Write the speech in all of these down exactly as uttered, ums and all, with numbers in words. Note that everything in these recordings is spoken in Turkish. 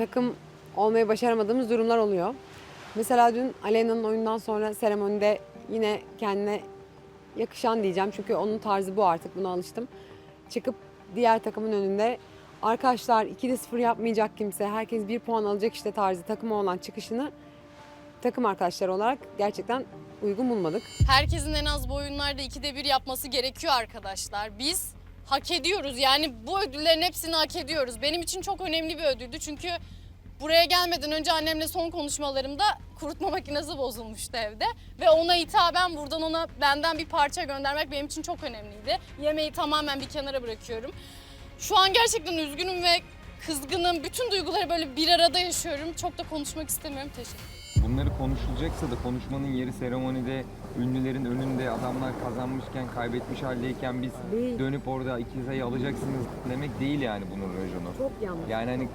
takım olmayı başaramadığımız durumlar oluyor. Mesela dün Aleyna'nın oyundan sonra seremonide yine kendine yakışan diyeceğim. Çünkü onun tarzı bu artık, buna alıştım. Çıkıp diğer takımın önünde arkadaşlar ikide sıfır yapmayacak kimse, herkes bir puan alacak işte tarzı takıma olan çıkışını takım arkadaşları olarak gerçekten uygun bulmadık. Herkesin en az bu oyunlarda ikide bir yapması gerekiyor arkadaşlar. Biz hak ediyoruz. Yani bu ödüllerin hepsini hak ediyoruz. Benim için çok önemli bir ödüldü. Çünkü buraya gelmeden önce annemle son konuşmalarımda kurutma makinesi bozulmuştu evde. Ve ona hitaben buradan ona benden bir parça göndermek benim için çok önemliydi. Yemeği tamamen bir kenara bırakıyorum. Şu an gerçekten üzgünüm ve kızgınım. Bütün duyguları böyle bir arada yaşıyorum. Çok da konuşmak istemiyorum. Teşekkür ederim. Bunları konuşulacaksa da konuşmanın yeri seremonide, ünlülerin önünde adamlar kazanmışken, kaybetmiş haldeyken biz Değil. dönüp orada iki sayı alacaksınız demek değil yani bunun rejonu. Çok yanlış. Yani hani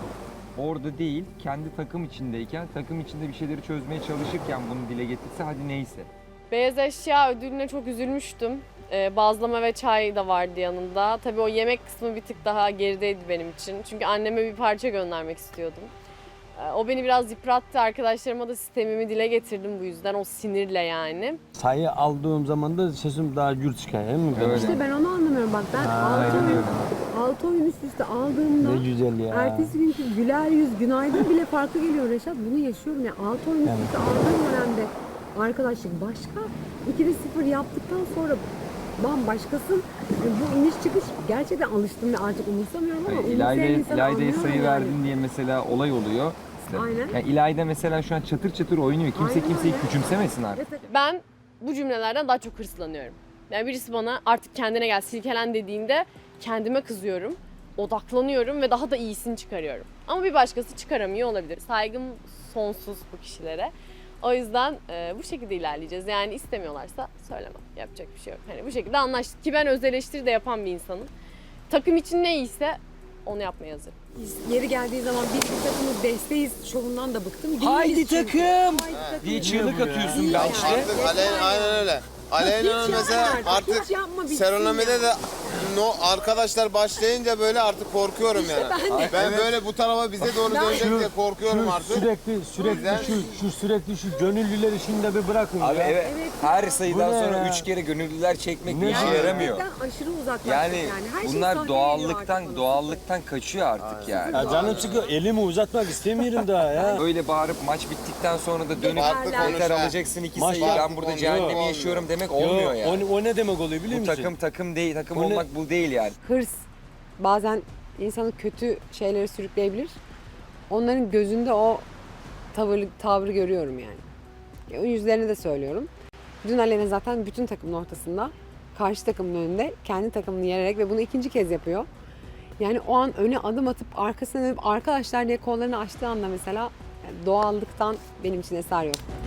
orada değil, kendi takım içindeyken, takım içinde bir şeyleri çözmeye çalışırken bunu dile getirse hadi neyse. Beyaz eşya ödülüne çok üzülmüştüm. Ee, bazlama ve çay da vardı yanında. Tabii o yemek kısmı bir tık daha gerideydi benim için. Çünkü anneme bir parça göndermek istiyordum. Ee, o beni biraz yıprattı. Arkadaşlarıma da sistemimi dile getirdim bu yüzden. O sinirle yani. Sayı aldığım zaman da sesim daha gür çıkıyor değil mi? Öyle. İşte ben onu anlamıyorum. Bak ben altı aynen oyun, öyle. altı oyun üst üste aldığımda Ne güzel ya. ertesi günkü güler yüz, günaydın bile farklı geliyor Reşat. Bunu yaşıyorum ya. altı oyun üst Evet. üste aldığım dönemde arkadaşlık başka. ikide sıfır yaptıktan sonra bambaşkasın. Bu iniş çıkış gerçekten alıştım ve artık umursamıyorum ama Yani umursayan İlayda'ya insanı İlayda'ya anlıyorum sayı yani. verdin diye mesela olay oluyor. İşte, Aynen. yani İlayda mesela şu an çatır çatır oynuyor. Kimse Aynen kimseyi öyle. küçümsemesin artık. Evet. Ben bu cümlelerden daha çok hırslanıyorum. Yani birisi bana artık kendine gel, silkelen dediğinde kendime kızıyorum. Odaklanıyorum ve daha da iyisini çıkarıyorum. Ama bir başkası çıkaramıyor olabilir. Saygım sonsuz bu kişilere. O yüzden e, bu şekilde ilerleyeceğiz. Yani istemiyorlarsa söylemem. Yapacak bir şey yok. Hani bu şekilde anlaştık ki ben öz eleştiri de yapan bir insanım. Takım için ne iyiyse onu yapmaya hazırım. Yeri geldiği zaman biz bir takımız besteyiz şovundan da bıktım. Değiliz Haydi çünkü. takım! Haydi takım. Diye çığlık atıyorsun Değil bench'te. yani. Artık Aleyna aynen öyle. Aleyna'nın Hiç mesela yapma artık, artık hiç yapma, bitsin Serenamide ya. de no, arkadaşlar başlayınca böyle artık korkuyorum yani. ben de. Ben böyle bu tarafa bize doğru dönecek diye korkuyorum Şu artık. sürekli sürekli yüzden- şu şu sürekli şu gönüllüler işini de bir bırakın Abi ya. evet, Evet her ya. sayıdan Bu ne sonra ya? üç kere gönüllüler çekmek Ne bir işe ya? yaramıyor. Gerçekten aşırı uzaklaştık Yani, yani. Her şey bunlar sahneye doğallıktan geliyor doğallıktan kaçıyor artık yani. Ya canım sıkıyor. Elimi uzatmak istemiyorum daha ya. Öyle bağırıp maç bittikten sonra da dönüp Farklı yeter konuş ha. alacaksın iki Maç sayı ben farklı burada konuş. cehennemi Yok. yaşıyorum demek Yo, olmuyor yani. o, o ne demek oluyor biliyor Bu musun? takım takım değil, takım Bu ne? olmak bu değil yani. Hırs bazen insanı kötü şeylere sürükleyebilir. Onların gözünde o tavır, tavrı görüyorum yani. Ya, o yüzlerini de söylüyorum. Dün Aleyna zaten bütün takımın ortasında, karşı takımın önünde kendi takımını yererek ve bunu ikinci kez yapıyor. Yani o an öne adım atıp arkasına dönüp arkadaşlar diye kollarını açtığı anda mesela yani doğallıktan benim için eser yok.